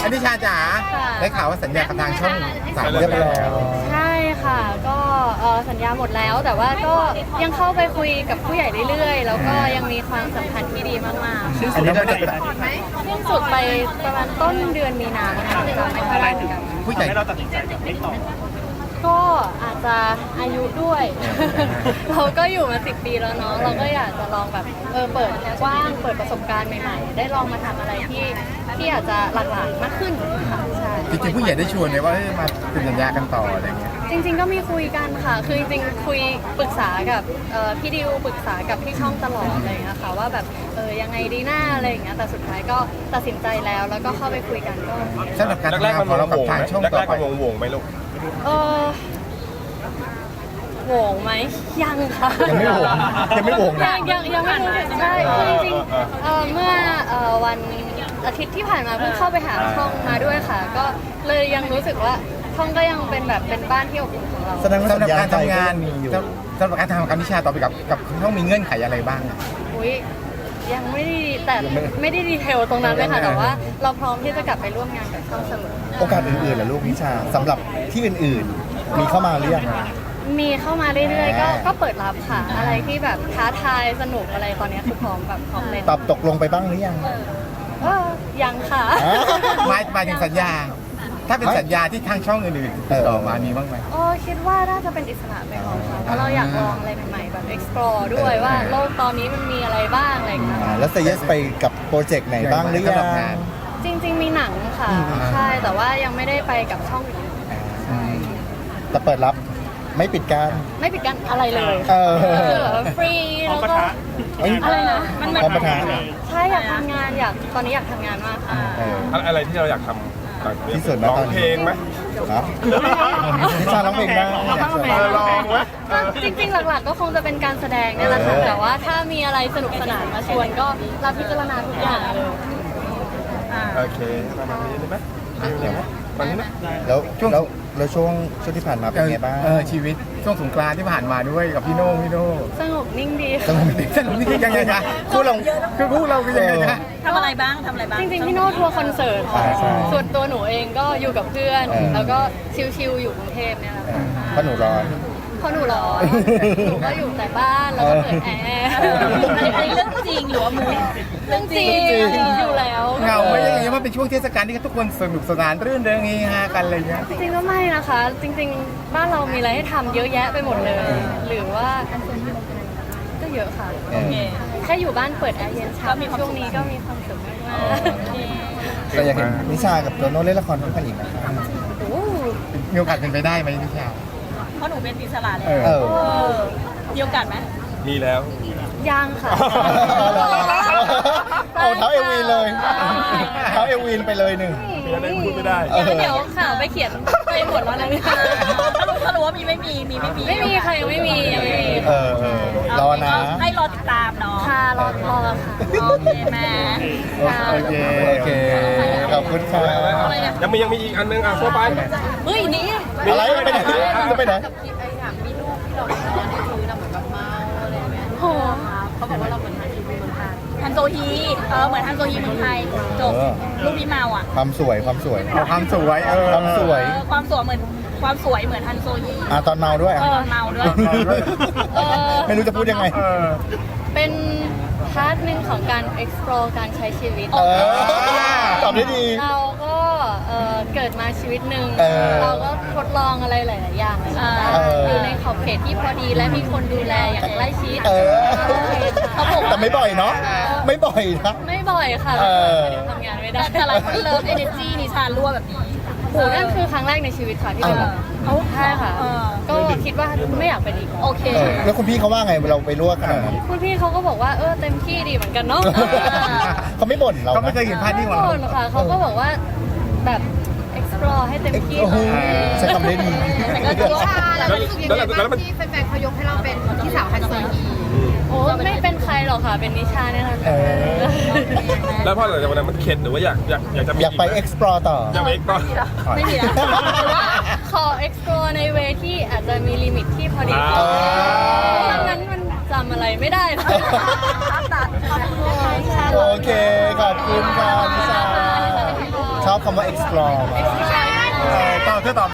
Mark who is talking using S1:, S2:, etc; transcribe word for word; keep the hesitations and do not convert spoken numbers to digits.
S1: นิชาจ๋าได้ข่าวว่าสัญญากับทางช่องสามเรียบร้อยแล้ว
S2: ใช่ค่ะก็เอ่อสัญญาหมดแล้วแต่ว่าก็ยังเข้าไปคุยกับผู้ใหญ่เรื่อยๆ แล้วก็ยังมีความสัมพันธ์ที่ดีมากๆ
S1: อันนี้ก็จะ
S2: สิ้นสุดไปประมาณต้นเดือนมีนาคมค่ะจำไม่ค่อยได้เหมือนกัน
S1: ผู้ใหญ่
S3: ให้เราตัดสินใจกับไม่ต่อ
S2: ก็อาจจะอายุด้วย เราก็อยู่มาสิบปีแล้วเนาะเราก็อยากจะลองแบบเออเปิดกว้างเปิดประสบการณ์ใหม่ๆ ได้ลองมาทำอะไรที่ที่อาจจะหลากหลายมากขึ้นค่ะใช่
S1: จริงๆผู้ใหญ่ได้ชวนเลยว่าเฮ้ยมาเป็นสัญญากันต่ออะไรเงี้ย
S2: จริงๆก็มีคุยกันค่ะ คือจริงๆคุยปรึกษากับเอ่อพี่ดิวปรึกษากับพี่ช่องตลอดอะไรอย่างเลยนะคะว่าแบบเออยังไงดีหน้าอะไรอย่างเงี้ยแต่สุดท้ายก็ตัดสินใจแล้วแล้วก็เข้าไปคุยกันก็
S1: สำหรับการทำ
S3: แรก
S1: งาน
S3: ๆมัน
S1: ของเรา
S3: โห
S1: กับ
S3: วง
S1: ทาง
S3: ไหม
S1: ช่อง
S3: แร
S1: ต่อก
S3: ๆ
S1: ไป
S3: มันโหวงๆไหมลูก
S2: เออโหวงไหมยังค่ะ
S1: ยังไม่โหวงยังไม่โหวง
S2: ยั
S1: นะ
S2: งยังยังไม่รู้สึกใช่คือจริงๆเอ่อเมื่อเอ่อวันอาทิตย์ที่ผ่านมาเพิ่งเข้าไปหาช่องมาด้วยค่ะ ก็เลยยังรู้สึกว่าช่องก็ยังเป็นแบบเป็นบ้านที่อบอุ่นของเรา
S4: แสดงว่า
S1: สำห
S4: สั
S1: รับ
S4: ญญา
S1: การ
S4: ใจ
S1: ทำงาน
S4: ก็มีอยู่
S1: สำหรับการทำกับนิชาต่อไปกับกับช่องมีเงื่อนไขอะไรบ้างอะ
S2: อุ้ยยังไม่ได้แต่ไม่ได้ดีเทลตรงนั้นเลยค่ะแต่ว่าเราพร้อมที่จะกลับไปร่วมงานกับช่องเสมอ
S4: โอกาสอื่นๆล่ะลูกนิชาสำหรับที่อื่นๆ มีเข้ามาหรือยัง
S2: มีเข้ามาเรื่อยๆก็ก็เปิดรับค่ะ อะไรที่แบบท้าทายสนุกอะไรตอนนี้คือพร้อมแบบพร้อมเลย
S4: ตอบตกลงไปบ้างหรือยัง
S2: เออยังค่ะ
S4: อ่า
S1: หมายหมายถึงสัญญา ถ้าเป็นสัญญาที่ทางช่องอื่นๆติดต่อมามีบ้างไหม
S2: โอ้คิดว่าน่าจะเป็นอิสระไปก่อนค่ะเพราะเราอยากลองอะไรใหม่ๆแบบ explore ด้วยว่าโลกตอนนี้มันมีอะไรบ้างอะไรอย่างเงี้ย
S4: อ่าแล้วเซเยสไปกับโปรเจกต์ไหนบ้างหรือยั
S1: สำหรับ
S4: ง
S1: งาน
S2: จริง ๆ มีหนังค่ะ ใช่แต่ว่ายังไม่ได้ไปกับช่องอื่น
S4: อืมแต่เปิดรับไม่ปิดการ
S2: ไม่ปิดกั้นอะไรเลย
S4: เออ
S2: คือแบบฟรีแล้วก็
S4: เอ้ย
S2: อะไรนะมัน
S4: พร้อมประทาน
S2: ใช่อยากทำงานอยากตอนนี้อยากทำงานมากค่ะ
S4: เออ
S3: อะไรที่เราอยากทำ
S4: ที่สุดนะ
S3: ร้อ
S4: ตอง นนี้
S3: เพลงไหม
S4: นะนิชาร้องเพลงได้อยากชวน
S3: เออลองไหม
S2: จริงๆ หลักๆ ก็คงจะเป็นการแสดงเนี่ยแหละค่ะ แต่ว่าถ้ามีอะไรสนุกสนานมาชวนก็รับพิจารณาทุกอย่างเลย
S3: โอเคประมาณนี้ได้ไหมเดี๋ยวไหมวันนี้นะ
S4: แล้ว
S1: ช่วง
S4: แล้วแล้วช่วงช่วงที่ผ่านมาเป็นไงบ้าง
S1: เออชีวิตช่วงสงกรานต์ที่ผ่านมาด้วยกับพี่โน่พี่โน่
S2: สงบนิ่งดี
S4: สนุกดี
S1: สนุกนี่คือยังไงคะคู่เราคือคู่เราคือยังไงคะ
S5: ทำอะไรบ้าง ทำอะไรบ้าง
S2: จริงๆ พี่โน้ตทัวร์คอนเสิร์ตค่ะ
S4: ใช่ใช่
S2: ส่วนตัวหนูเองก็อยู่กับเพื่อน
S4: เออ
S2: แล้วก็ชิลๆ อยู่กรุงเทพเนี่ยแหละ
S4: เอ
S2: ค่ะ
S4: อเพราะหนูร้อน
S2: เพราะหนูร้อนหนูก็อยู่แต่บ้านแล้วก็เปิดแอร์
S5: อันนี้อันนี้เรื่องจริงหรือว่ามู
S2: เรื่องจริงอยู่แล้ว
S1: เหงาไหมยังไงว่าเป็นช่วงเทศกาลที่ทุกคนสนุกสนานรื่นเริงเฮฮากันอะไรเงี้ย
S2: จริงๆก็ไม่นะคะ จริง ๆ บ้านเรามีอะไรให้ทำเยอะแยะไปหมดเลย หรือว่าก็เยอะค่ะ
S4: เออ
S2: แค่อยู่บ้านเปิดแอร์เย็นเช้าช่วงนี้ก็มีความสุขมาก
S4: ก็อยากเห็นนิชากับโตโน่เล่นละครด้วยกันอีกนะคะ
S2: ๆโอ้
S1: มีโอกาสเป็นไปได้ไหมนิชา
S5: เพราะหนูเป็นอิสระเลย
S1: เออ
S4: เออ
S5: เออมีโอกาสไหม
S3: มีแล้ว
S2: ยังค่ะ
S4: เอาเท้าเอวีนเลยเท้าเอวีนไปเลยหนึ่ง
S3: เดี๋ยวได้พูดไม่ได้
S2: เดี๋ยวเดี๋ยวข่าวไปเขียนไปหมดแล้วนะเนี่ย
S5: ถ้ารู้ถ้ารู้ว่ามีไม่มี มีไม่มี
S2: ไม่มีค่ะยังไม่มียังไม่มี
S4: เออเออรอนะ
S5: ให้รอติดตามเนาะ
S2: ค่ะรอรอค่ะ
S5: โอเคแม่
S1: โอเค
S4: โอเค ขอบคุณค่ะ
S3: ยังมียังมีอีกอันนึงอ่ะทั่วไป
S2: เฮ้ยนี่
S4: อะไรไปไหนจะไปไหน
S2: โห
S5: ฮันโซฮี เออ เหมือนฮันโซฮีเมืองไทย จบ
S4: เออ
S5: ลูกพี่เมาอ่ะ
S4: ความสวยความสวย
S1: เอาความสวยเออ
S4: ความสวย
S5: เออ ความสวยเหมือน ความสวยเหมือนฮันโซฮี
S4: อ่ะตอนเมาด้วย
S5: เอ
S4: อ่ะ
S5: อ เมาด้วย
S2: เออ
S4: ไม่รู้จะพูดยังไง
S1: เออ
S2: เป็นพาร์ทหนึ่งของการ explore การใช้ชีวิต
S4: เออตอบได้ดี
S2: เราก็เอ่อเกิดมาชีวิตหนึ่ง
S4: เออ
S2: เราก็ทดลองอะไรหลาย ๆ อย่างเลยนะ
S5: เออ
S2: อยู่ในขอบเขตที่พอดีและมีคนดูแลอย่างใกล้ชิด
S4: เออ
S2: เขาบอก
S4: แต่ไม่บ่อยเนาะ ไม่บ่อยนะ
S2: ไม่บ่อยค่ะ
S4: เออ
S2: เดี๋ยวทำงานไม่ได้
S5: แต่หลายคนเลิฟเอเนจีนิชารั่วแบบนี้
S2: โหนั่นคือครั้งแรกในชีวิตค่ะที่เป็นแบบ
S5: เออ
S2: ใช่ค่ะ
S5: เออ
S2: ก็คิดว่าไม่อยากเป็นอีก
S5: โอเค
S4: เออแล้วคุณพี่เขาว่าไงเราไปลวกขนาดนั้น
S2: คุณพี่เขาก็บอกว่าเออเต็มที่ดีเหมือนกันเนาะ
S4: เขาไม่บ่นเรา
S1: เขาไม่เคยเห็นภาพนี้ของเรา
S2: ไม่บ่นค่ะเขาก็บอกว่าแบบ explore ให้เต็มที่
S4: โอ้โหใช้คำได้ดี
S5: แต่ก็ถือว่า
S3: แล้วแล้วแล้วแล้วมัน
S6: ที่แฟนๆเขายกให้เราเป็นพี่สาวฮันโซฮี
S2: โอ้ไม่เป็นใครหรอกค่ะ เป็นนิชาเนี่ยแหละ
S4: เอ
S2: ค่ะ
S4: อ
S3: แล้วพอหลังจากวันนั้นมันเข็ดหรือว่าอยากอยากอยากจะมี
S4: อยากไป
S3: ไหม
S4: explore ต่อ
S3: อยากไปอีกต่อ
S5: ไม่มีแล้ว
S2: ขอ explore ในเวที่อาจจะมีลิมิตที่พอดี
S3: อ่า
S2: เพราะงั้นมันจำอะไรไม่ได้เลย
S5: ตัด
S4: โอเค ขอบคุณค่ะนิชา
S2: ขอบคุณค่ะ
S4: ชอบคำว่า explore มาก
S1: เออตอบเธอตอบ